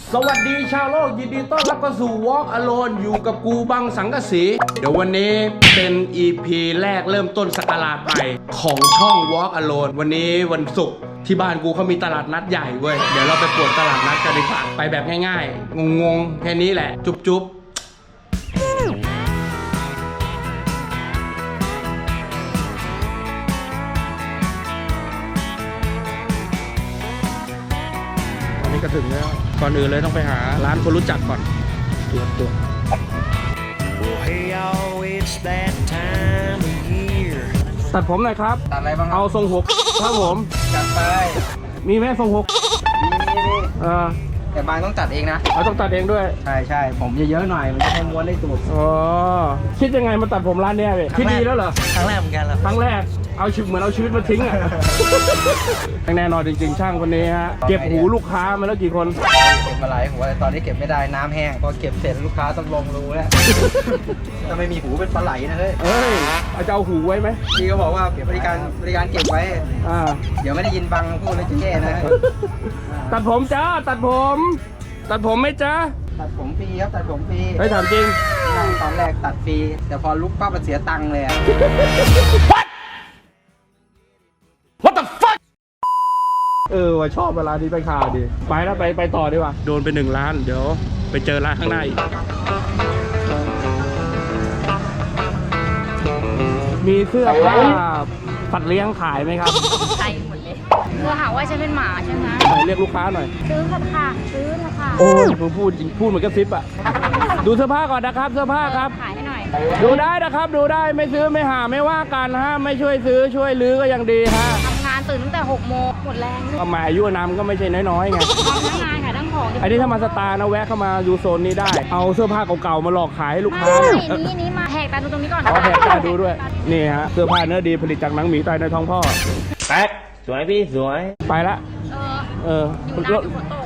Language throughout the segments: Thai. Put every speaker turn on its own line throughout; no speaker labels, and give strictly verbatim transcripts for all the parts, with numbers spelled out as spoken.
สวัสดีชาวโลกยินดีต้อนรับเข้าสู่ Walk Alone อยู่กับกูบังสังกะสีเดี๋ยววันนี้เป็น อี พี แรกเริ่มต้นสกราชใหม่ของช่อง Walk Alone วันนี้วันศุกร์ที่บ้านกูเขามีตลาดนัดใหญ่เว้ยเดี๋ยวเราไปปวดตลาดนัดกันดีกว่าไปแบบง่ายๆงงๆแค่นี้แหละจุ๊บๆก็ถึงแล้วก่อนอื่นเลยต้องไปหาร้านคนรู้จักก่อนตัวตัวตัดผมหน่อยครับ
ตัดอะไรบ้าง
เอาทรงหกครับผม
จัดไป
มีไหมทรงหก
มีมีมี
เออ
แต่บางต้องตัดเองนะ
เราต้องตัดเองด้วย
ใช่ใช่ผมเยอะๆหน่อยมันจะให้ม้วนได้สุด
อ๋อคิดยังไงมาตัดผมร้านเนี้ยพี่คิดดีแล้วเหรอ
ครั้งแรกเหมือนกันเหรอ
ครั้งแรกเอาชีวิตเหมือนเอาชีวิตมาทิ้งอ่ะแน่นอนจริงๆช่างคนนี้ฮะเก็บหูลูกค้ามาแล้วกี่คน
เก็บมาหลายหัวตอนนี้เก็บไม่ได้น้ำแห้งพอเก็บเสร็จลูกค้าต้องลงรูแล้วถ้าไม่มีหูเป็นปลาไหลนะเฮ้ย
เอ้ยจะเอาหูไว้ไหม
พี่ก็บอกว่าบริการบริการเก็บไว้
อ่า
เดี๋ยวไม่ได้ยินบังพูดแล้วจะแย่นะ
ตัดผมจ้าตัดผมตัดผมไหมจ้า
ตัดผมฟรีครับตัดผมฟรี
เฮ้ยถามจริง
ตอนแรกตัดฟรีแต่พอลุกปั๊บมันเสียตังค์เลยอะ
What the fuck เออว่าชอบเวลานี้ไปข่าวดิไปแล้วไปไปต่อดีกว่าโดนไปหนึ่งล้านเดี๋ยวไปเจอร้านข้างหน้าอีกมีเสื้อผ้าสัตว์เลี้ยงขายไหมครับ
ขายหมดเลยเธอหาว่าฉันเป็นหมาใช่ไหม
เรียกลูกค้าหน่อย
ซื้อเถอะค่ะซื้อเถอะค่ะ
โอ้ยพูดพูดเหมือนกระซิบอะดูเสื้อผ้าก่อนนะครับเสื้อผ้าครับ
ขายให้หน่อย
ดูได้นะครับดูได้ไม่ซื้อไม่หาไม่ว่ากันฮะไม่ช่วยซื้อช่วยลื้อก็ยังดีฮะ
ทำงานตื่นตั้งแต่หกโมงหมดแรง
ก็มาอายุนามก็ไม่ใช่น้อยๆไง
ทำทั้งงานขายทั้งของ
ไอ้นี่ถ้ามาสตาร์นะแวะเข้ามาดูโซนนี้ได้เอาเสื้อผ้าเก่าๆมาหลอกขายให้ลูกค้า
นี่นี่มาแหกตาดูตรงนี้ก่อน
เอาแหกตาดูด้วยนี่ฮะเสื้อผ้าเนื้อดีผลิตจากหนังหมีตายในท้องพ่อ
แป๊กสวยพี่สวย
ไปละ
เออ
เออ
อยู่น้ำอยู่ฝนตก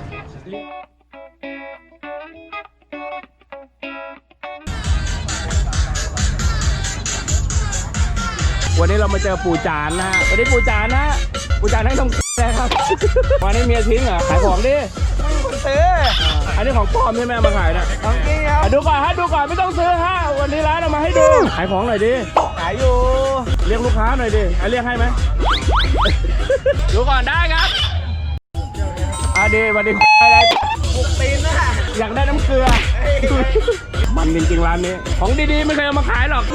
วันนี้เรามาเจอปู่จานนะฮะวันนี้ปู่จานนะปู่จานให้ทำอะไรครับวันนี้เมียทิ้งเหรอขายของดิ
ไม่มีคนซื้อ
อันนี้ของปลอมใช่ไหมมาขายนะ
ของจริงครับ
ดูก่อนฮะดูก่อนไม่ต้องซื้อฮะวันนี้ร้านเอามาให้ดูขายของหน่อยดิ
ขายอยู่
เรียกลูกค้าหน่อยดิเรียกให้ไหมดูก่อนได้ครับอ่ะดีวันนี้อะไร
บุกตีนนะ
อยากได้น้ำเกลือมันจริงๆร้านนี้ของดีๆไม่เคยเอามาขายหรอก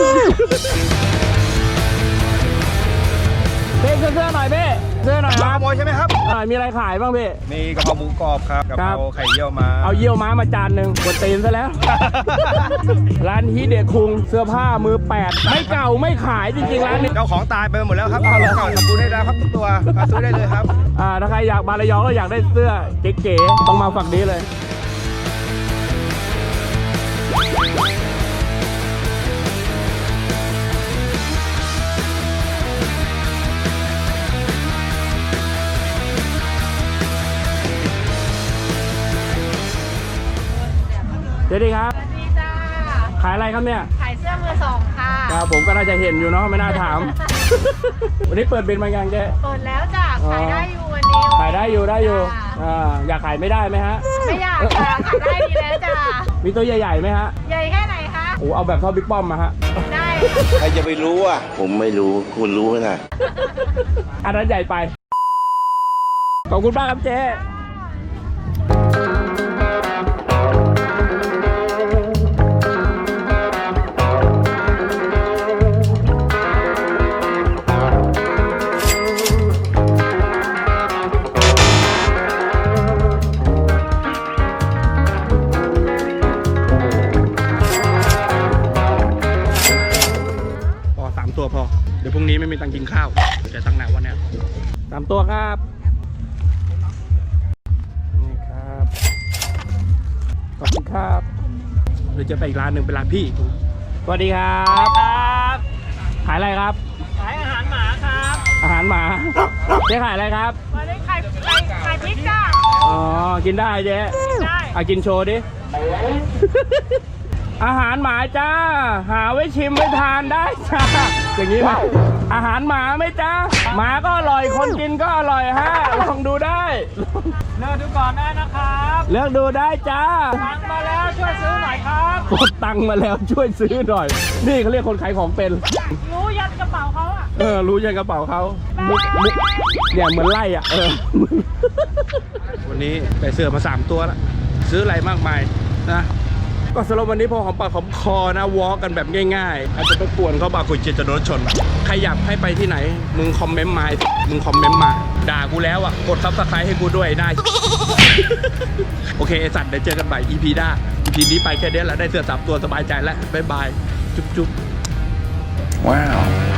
เบ้เสื้อหน่อยเบ้เสื้อหน่อยครับ
ขโมยใช่ไหมครับ
มีอะไรขายบ้างเบ้
มีกะเพราหมูกรอบครับกะเพราไข่เยี่ยวม้า
เอาเยี่ยวม้ามาจานหนึ่งกดตีนซะแล้วร้านฮิเดะคุงเสื้อผ้ามือแปดไม่เก่าไม่ขายจริงๆร้านนี้
เจ้าของตายไปหมดแล้วครับเอาเก่าทำบุญให้ได้ครับทุกตัวมาซื้อได้เลยครับ
อ่าถ้าใครอยากมาระยองแล้วอยากได้เสื้อเก๋ๆต้องมาฝั่งนี้เลยสวัสดีครับ
สวัสดีจ้า
ขายอะไรครับเนี่ย
ขายเสื้อมือสองค่ะ
ครับผมก็น่าจะเห็นอยู่เนาะไม่น่าถามวันนี้เปิดเป็นมายังเจ๊
เปิดแล้วจ้าขายได้อยู่วันนี้
ขายได้อยู่ได้อยู่อ่าอยากขายไม่ได้ไหมฮะ
ไม่อยากค่ะขายได้ดีแล้วจ้า
มีตัวใหญ่ๆไหมฮะ
ใหญ่แค่ไหนคะ
โอ้เอาแบบเท่าบิ๊กป้อมมาฮะ
ได้
ใครจะไปรู้อ่ะผมไม่รู้คุณรู้นะ
อันนั้นใหญ่ไปขอบคุณมากครับเจ๊ตัวพอเดี๋ยวพรุ่งนี้ไม่มีตังกินข้าวจะตั้งหนักวันนี้สามตัวครับนี่ครับขอบคุณครับเดี๋ยวจะไปอีกร้านหนึ่งเป็นร้านพี่สวัสดีครับครับขายอะไรครับ
ขายอาหารหมาครับ
อาหารหมาเจ๊ขายอะไรครับ
วันนี้ขายขายพริกจ้า
อ๋อกินได้เจ๊
ได้
เอากินโชว์ดิอาหารหมาจ้าหาไว้ชิมไว้ทานได้จ้าอย่างนี้ไหมอาหารหมาไหมจ๊ะหมาก็อร่อยคนกินก็อร่อยฮะลองดูได้
เลือกดูก่อนได้นะครับ
เลือกดูได้จ้า
ตังมาแล้วช่วยซื้อหน่อยครับ
กดตังค์มาแล้วช่วยซื้อหน่อย นี่เขาเรียกคนขายของเป็น
รู้ยัดกระเป๋าเขาอ่ะ
เออรู้ยังกระเป๋าเขามุกมุกเนี่ยเหมือนไล่อ่ะเออ วันนี้ไปเสื้อมาสามตัวแล้วซื้ออะไรมากมายนะก็สำหรับวันนี้พอหอมปากหอมคอนะวอล์กกันแบบง่ายๆอาจจะไปป่วนเขาบาคุยเจจะโดนชนใครอยากให้ไปที่ไหนมึงคอมเมนต์มามึงคอมเมนต์มาด่ากูแล้วอ่ะกดซับสไครต์ให้กูด้วยได้ โอเคไอ้สัตว์เดี๋ยวเจอกันใหม่ อี พี หน้า อี พี นี้ไปแค่นี้แหละได้เสื้อสามตัวสบายใจแล้วบ๊ายบายจุ๊บจุ๊บว้าว